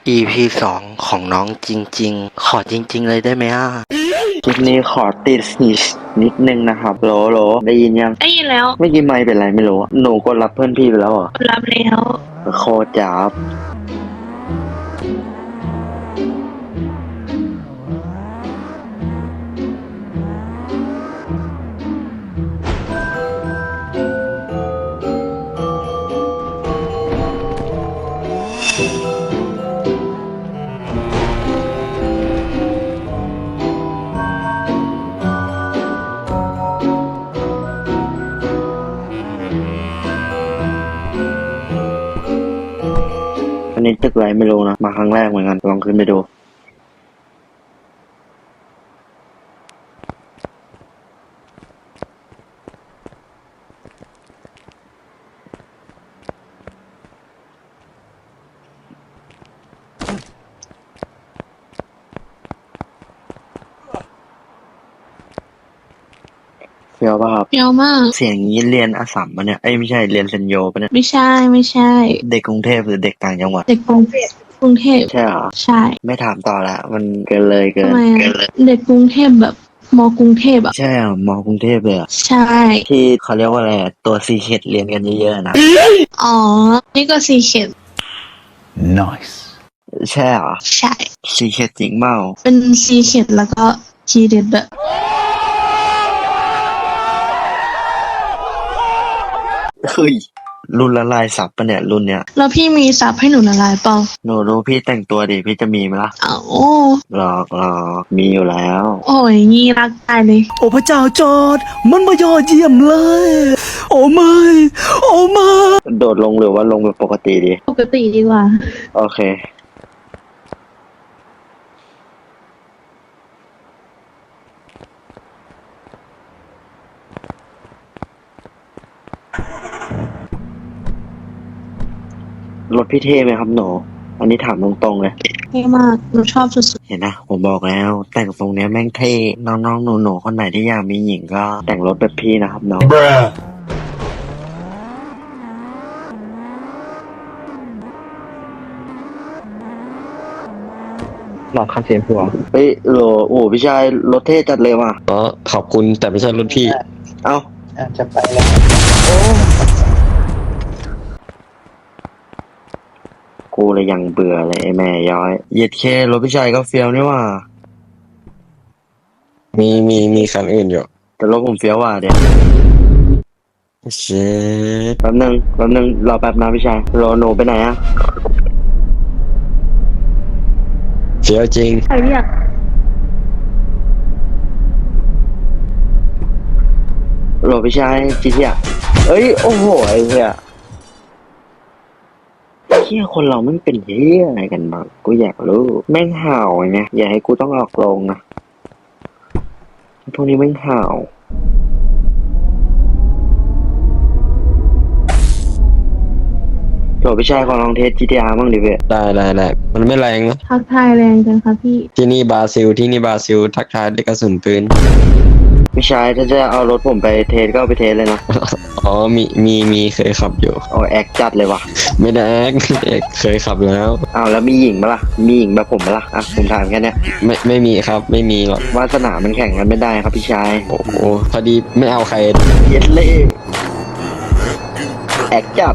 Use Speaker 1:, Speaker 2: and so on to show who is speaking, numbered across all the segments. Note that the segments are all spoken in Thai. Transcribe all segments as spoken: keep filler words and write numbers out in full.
Speaker 1: อี พี สองของน้องจริงๆ ขอจริงๆเลยได้ไหมอ่ะ
Speaker 2: คลิปนี้ขอติดนิดนิดนึงนะครับโหลโหลได้ยินยัง
Speaker 3: ได้ยินแล้ว
Speaker 2: ไม่อกี่ไม่เป็นไรไม่รู้อะหนูกดรับเพื่อนพี่ไปแล้วเหรอ
Speaker 3: รับแล้ว
Speaker 2: โคตรจับอันนี้ตึกอะไรไม่รู้นะมาครั้งแรกเหมือนกันลองขึ้นไปดูเฟียวป่ะครับ
Speaker 3: เปรี้ยวมาก
Speaker 2: เสียงนี้เรียนอัสสัมปะเนี่ยเอ้ยไม่ใช่เรียนเซนโยปะเนี่ย
Speaker 3: ไม่ใช่ไม่ใช่
Speaker 2: เด็กกรุงเทพหรือเด็กต่างจังหวัด
Speaker 3: เด็กกรุงเทพกรุงเทพ
Speaker 2: ใช่เหรอ
Speaker 3: ใช่
Speaker 2: ไม่ถามต่อละมันเกินเลยเกิ
Speaker 3: ทำ
Speaker 2: น
Speaker 3: ไม
Speaker 2: เกิ
Speaker 3: อะ
Speaker 2: นเลย
Speaker 3: เด็กกรุงเทพแบบมกรุงเทพอ่ะ
Speaker 2: ใช่เหรอมอกรุงเทพเลยอะ
Speaker 3: ใช่
Speaker 2: ที่เขาเรียกว่าอะไรอะตัวซีเค็ดเรียนกันเยอะๆนะ
Speaker 3: อ๋อ นี่ก็ซีเข็ด
Speaker 4: Nice.
Speaker 2: ใช่เหรอ
Speaker 3: ใช่
Speaker 2: ซีเค็ดจริงเปล่า
Speaker 3: เป็นซีเข็ดแล้วก็ทีเด็ดแบบ
Speaker 2: เฮ้ยรุ่นละลายสับปะเนี่ยรุ่นเนี้ย
Speaker 3: แล้วพี่มีซับให้หนูละลายเปล่า
Speaker 2: หนูรู้พี่แต่งตัวดิพี่จะมีไหมล่ะ
Speaker 3: เอ้า
Speaker 2: หลอกหลอกมีอยู่แล้ว
Speaker 3: โอ้ยงี้รักตายเลย
Speaker 4: โอ้พระเจ้าจอร์ดมันมายอดเยี่ยมเลย โอ้ไม่ โอ้ไม่
Speaker 2: โดดลงหรือว่าลงแบบปกติดี
Speaker 3: ปกติดีกว่า
Speaker 2: โอเครถพี่เท่ไหมครับหนูอันนี้ถามตรงๆเลย
Speaker 3: เท่มาก หนูชอบสุด
Speaker 2: เห็นนะผมบอกแล้ว แต่งทรงเนี้ยแม่งเท่น้องๆหนูๆคนไหนที่อยากมีหญิงก็แต่งรถแบบพี่นะครับน้อง
Speaker 4: Bruh.
Speaker 2: หลอกคันเสียงผัวเฮ้ยโหลโอ้พี่ชายรถเท่จัดเลยว่ะ
Speaker 5: อ๋อขอบคุณแต่ไม่ใช่รุ่นพี่
Speaker 2: เอ้า
Speaker 6: จะไปแล้ว
Speaker 2: กูเลยยังเบื่อเลยไอ้แม่ย้อยเหยียดเครถพี่ชายก็เฟี้ยวนี่ว่ะ
Speaker 5: มีมีมีคันอื่นอยู่
Speaker 2: แต่รถผมเฟี้ยวว่ะเดี๋ยว
Speaker 5: เช็ด
Speaker 2: แป๊บนึงแป๊บนึงรอแป๊บนะพี่ชายรอหนูไปไหนอะ
Speaker 5: เฟี้ยวจริง
Speaker 3: ๆใครเรียก
Speaker 2: รอพี่ชายจีเทียเอ้ยโอ้โหไอ้เหี้ยเหี้ยคนเราไม่เป็นเหี้ยอะไรกันบ้างกูอยากรู้แม่งห่าวไงอย่าให้กูต้องออกโรงนะพวกนี้แม่งห่าวโหลพี่ชายขอลองเทส จี ที อาร์ บ้างดิเว้ย
Speaker 5: ได้ได้ได้มันไม่แรงนะ
Speaker 3: ทักทายแรงจังคะพี่
Speaker 5: ที่นี่บราซิลที่นี่บราซิล ทักทายด้วยกระสุนปืน
Speaker 2: พี่ชายถ้าจะเอารถผมไปเทสก็เอาไปเทสเลยนะ
Speaker 5: อ๋อมีมีมีเคยขับอยู่
Speaker 2: เอาแอคจัดเลยว่ะ
Speaker 5: ไม่ได้แอกเอกเคยขับแล้ว
Speaker 2: อ้าวแล้วมีหญิงปะล่ะมีหญิงแบบผมปะล่ะอ่ะผมถามแค่เนี้ย
Speaker 5: ไม่ไม่มีครับ ไม่มีหรอก
Speaker 2: วาสนามันแข่งกันไม่ได้ครับพี่ชาย
Speaker 5: โอ้โหพอดีไม่เอาใคร
Speaker 2: เย็ดเล่แอคจัด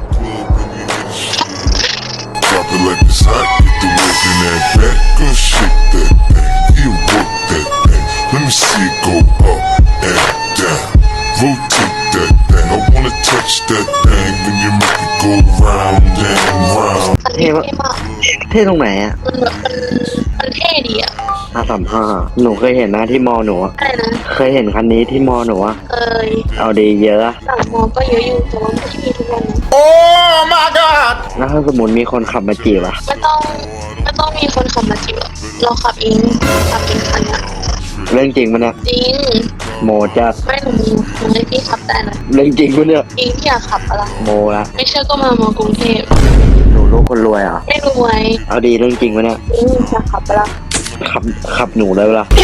Speaker 7: Drop it like it's hot, get the work in that back, go shake that thing, you work that thing. Let me see it go up and down, rotate that thing. I wanna touch that thing when you make it go round and round.
Speaker 2: เท่ปะเท่ตรงไหนอ่ะ
Speaker 3: มันแบบมันมันเท่ดีอ่ะ
Speaker 2: ห้าสามห้าหนูเคยเห็นนะที่มอหนูอะ
Speaker 3: อะไรนะ
Speaker 2: เคยเห็นคันนี้ที่มอหนูอะ
Speaker 3: เอ้ย
Speaker 2: เอาดีเยอะอะ
Speaker 3: สั่งมอก็เยอะอยู่แต่ว่าไม่ได้มีทุกวันนะ
Speaker 4: Oh my god.
Speaker 2: แล้วถ้าสมมติมีคนขับมาจีบอะ
Speaker 3: ไม่ต้องไม่ต้องมีคนขับมาจีบหรอกเราขับเองขับเองคันอ่ะ
Speaker 2: เรื่องจริงปะเนี่ย
Speaker 3: จริง
Speaker 2: โมจัด
Speaker 3: ไม่หนูมีหนูให้พี่ขับได้นะ
Speaker 2: เรื่องจริงปะเนี่ย
Speaker 3: จริงพี่อยากขับปะล่ะ
Speaker 2: โมละ
Speaker 3: ไม่เชื่อก็มามอกรุงเทพ
Speaker 2: หนูลูกคนรวยเหรอ่ะ
Speaker 3: ไม่รวย
Speaker 2: เอาดีเรื่องจริงปะเนี่ย
Speaker 3: อืมอยากขับปะล่ะ
Speaker 2: ขับขับหนูเลยปะล่ะ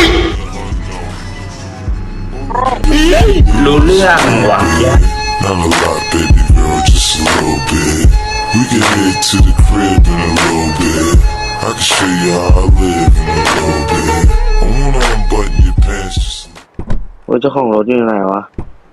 Speaker 6: รู้เรื่องว่ะ
Speaker 7: Not a lot, baby girl, just a little bit. We can head to the crib in a little bit. I can show you how I live in a little bit. I wanna unbutton your pants just a little.
Speaker 2: โอ้ยเจ้าของรถอยู่ไหนวะ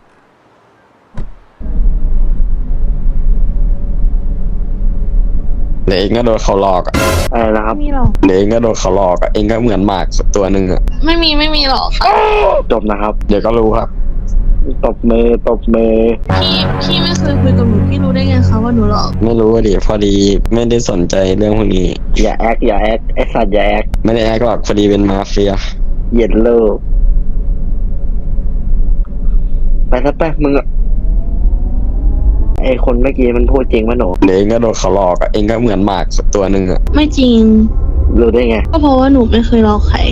Speaker 5: เดี๋ยวเองก็โดนเขาหลอกอะ
Speaker 2: อะไรนะครับ
Speaker 3: ไม่มีหรอก
Speaker 5: เดี๋ยวเองก็โดนเขาหลอกอะเองก็เหมือนหมากตัวหนึ่งอะ
Speaker 3: ไม่มีไม่มีหรอกค่ะ
Speaker 2: จบนะครับ
Speaker 5: เดี๋ยวก็รู้ครับ
Speaker 2: ตบมือตบมือ
Speaker 3: พี่พี่ไม่เคยคุยกับหนูพี่รู้ได้ไงคะว่าหนูหลอก
Speaker 5: ไม่รู้ว่าดิพอดีไม่ได้สนใจเรื่องพวกนี้
Speaker 2: อย่าแอคอย่าแอคไอสัตว์อย่าแอค
Speaker 5: ไม่ได้แอคหรอกพอดีเป็นมาเฟีย
Speaker 2: เหยียดเลิกไปซะไปมึงอะไอคนเมื่อกี้มันพูดจริงปะหนู
Speaker 5: เดี๋ยวเองก็โดนเขาหลอกอะเองก็เหมือนหมากตัวหนึ่งอะ
Speaker 3: ไม่จริง
Speaker 2: รู้ได้ไง
Speaker 3: ก็เพราะว่าหนูไม่เคยหลอกใคร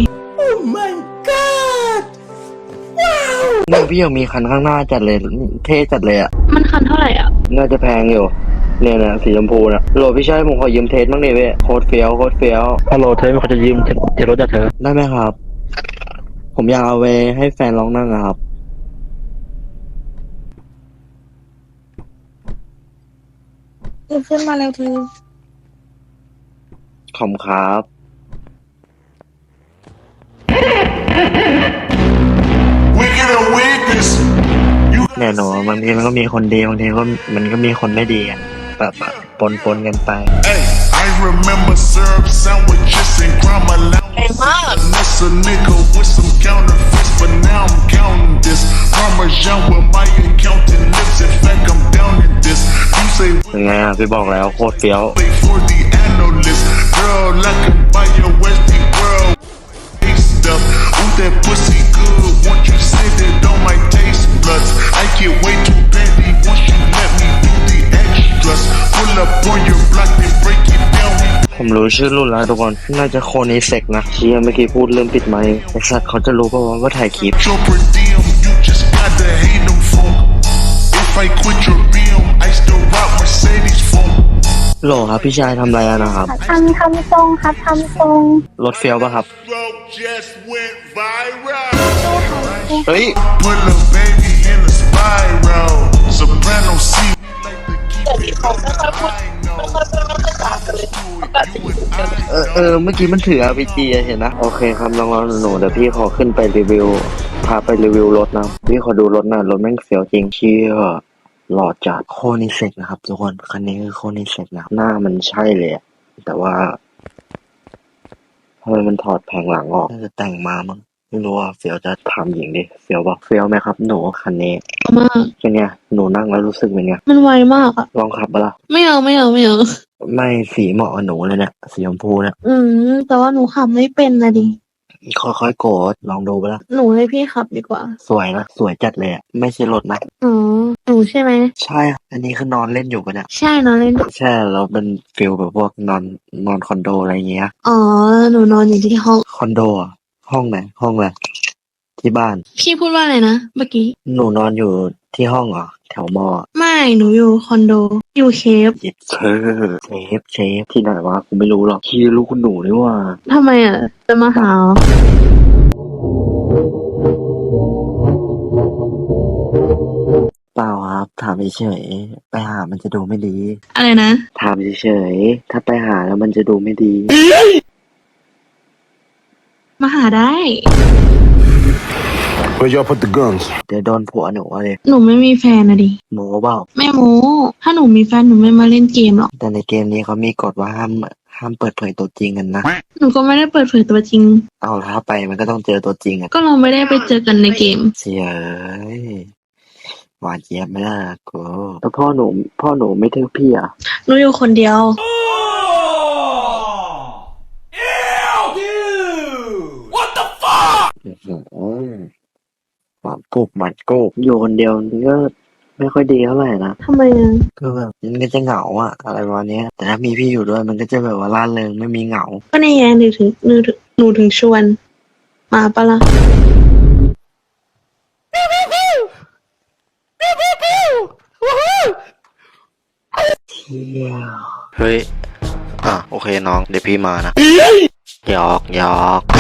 Speaker 2: เนี่ยพี่ยังมีคันข้างหน้าจัดเลยเท่จัดเลยอ่ะ
Speaker 3: มันคันเท่าไหร่อ่ะ
Speaker 2: น่าจะแพงอยู่ เนี่ยนะสีชมพูนะโหลพี่ชายผมขอยืมเทสบ้างดิเว้ยโคตรเฟี้ยวโคตรเฟี้ยว
Speaker 1: ฮัลโหลเธอเขาจะยืมเทรถจากเธอ
Speaker 2: ได้ไหมครับ ผมอยากเอาไปให้แฟนลองนั่งอะครับ
Speaker 3: ขึ้นมาแล้วเธอ
Speaker 2: ขอบคุณครับ
Speaker 7: We get a witness. You
Speaker 2: แน่นอนบางทีมันก็มีคนดีบางทีก็มันก็มีคนไม่ดีอ่ะแบบแบบปนปนๆกันไป
Speaker 7: Hey, I remember syrup sandwiches and crime allowance. Unless a nigga with some counterfeits, but now I'm counting this. Parmesan with my accountant lips. In fact, I'm down in this. You say
Speaker 2: ยังไงอ่ะพี่บอกแล้วโคตรเฟี้ยว
Speaker 7: wait for the analyst. Girl, I can buy your Westie world. Stuff. Ooh, that pussy good. Once you sit it on my taste buds, I get way too petty once you let me do the extras. Pull up on your block and break it down.
Speaker 2: ผมรู้ชื่อรุ่นแล้วทุกคน น่าจะโคนิเซกนะเชี่ยเมื่อกี้พูดเริ่มปิดไมค์ไอสัตว์เขาจะรู้ป่าวว่าถ่ายคลิป
Speaker 7: Your per diem, you just gotta hate them for. If I quit your beam, I still rock Mercedes for.
Speaker 2: โหลครับพี่ชายทำอะไรอะนะครับ
Speaker 8: ทำทำทรงครับทำทรง
Speaker 2: รถเฟี้ยวป่ะครับ
Speaker 7: Road just went viral.
Speaker 2: เฮ้ย
Speaker 7: Put a baby in a spiral. Soprano C. Like to keep it on the high note.
Speaker 2: เออเออเมื่อกี้มันถือ อาร์ พี จี อะเห็นนะ โอเคครับน้องๆหนูๆเดี๋ยวพี่ขอขึ้นไปรีวิว พาไปรีวิวรถนะ พี่ขอดูรถหน่อยรถแม่งเสียวจริงเชี่ยหล่อจัดโคนิเซกนะครับทุกคนคันนี้คือโคนิเซกนะครับหน้ามันใช่เลยอะแต่ว่าทำไมมันถอดแผงหลังออกน่าจะแต่งมามั้งไม่รู้ว่าเฟียวจะทำหญิงดิเฟียวบอกเฟียวไหมครับหนูคันนี้
Speaker 3: มาก
Speaker 2: เป็นไงหนูนั่งแล้วรู้สึกเป็นไง
Speaker 3: มันไวมากอ่ะ
Speaker 2: ลองขับปะล่ะ
Speaker 3: ไม่เอาไม่เอาไม่เอา
Speaker 2: ไม่สีเหมาะกับหนูเลยเนี่ยสีชมพูเนี่ย
Speaker 3: อืม แต่ว่าหนูขับไม่เป็นนะดิ
Speaker 2: ค่อยๆโกดลองดูปะล่ะ
Speaker 3: หนูให้พี่ขับดีกว่า
Speaker 2: สวยนะสวยจัดเลยอะไม่ใช่รถนะ
Speaker 3: อ๋อ หนูใช่ไหม
Speaker 2: ใช่อะอันนี้คือนอนเล่นอยู่ปะเนี่ย
Speaker 3: ใช่นอนเล่น
Speaker 2: ใช่เราเป็นฟิลแบบพวกนอนนอนคอนโดอะไรเงี้ย
Speaker 3: อ๋อ หนูนอนอยู่ที่ห้อง
Speaker 2: คอนโดอะห้องไหนห้องอะไรที่บ้าน
Speaker 3: พี่พูดว่าอะไรนะ เมื่อกี้
Speaker 2: หนูนอนอยู่ที่ห้องเหรอแถวมอ
Speaker 3: ไม่ หนูอยู่คอนโด อยู่เคฟ
Speaker 2: เย็ดเชฟเชฟเชฟที่ไหนวะกูไม่รู้หรอกที่รู้คุณหนูนี่ว่า
Speaker 3: ทำไมอ่ะ จะมาหาเหรอ
Speaker 2: เปล่าครับถามเฉยๆไปหามันจะดูไม่ดี
Speaker 3: อะไรนะ
Speaker 2: ถามเฉยๆถ้าไปหาแล้วมันจะดูไม่ดี
Speaker 3: มาหาได้
Speaker 7: Where y'all put the guns?
Speaker 2: เดี๋ยวโดนผัวหนูอะเลย
Speaker 3: หนูไม่มีแฟนนะดิ
Speaker 2: หมูเปล่า
Speaker 3: ไม่โม้ ถ้าหนูมีแฟนหนูไม่มาเล่นเกมหรอก
Speaker 2: แต่ในเกมนี้เขามีกฎว่าห้ามห้ามเปิดเผยตัวจริงกันนะ
Speaker 3: หนูก็ไม่ได้เปิดเผยตัวจริง
Speaker 2: เอาแล้วถ้าไปมันก็ต้องเจอตัวจริงอะ
Speaker 3: ก็เราไม่ได้ไปเจอกันในเกม
Speaker 2: เสียเอ้ยหวานเจี๊ยบไม่ได้นะกูแล้วพ่อหนูพ่อหนูไม่ทึกพี่อ่ะ
Speaker 3: หนูอยู่คนเดียว
Speaker 2: อื้อหือหวานกุบหมันกุบอยู่คนเดียวมันก็ไม่ค่อยดีเท่าไหร่นะ
Speaker 3: ทำไมอ่ะ
Speaker 2: ก็แบบมันก็จะเหงาอะอะไรประมาณเนี้ยแต่ถ้ามีพี่อยู่ด้วยมันก็จะแบบว่าร่าเริงไม่มีเหงา
Speaker 3: ก็ในแง่หนูถึงหนูถึงหนูถึงชวน มาปะล่ะ
Speaker 2: เที่ยว
Speaker 1: เฮ้ย อ่ะ โอเคน้อง เดี๋ยวพี่มานะ หยอกหยอก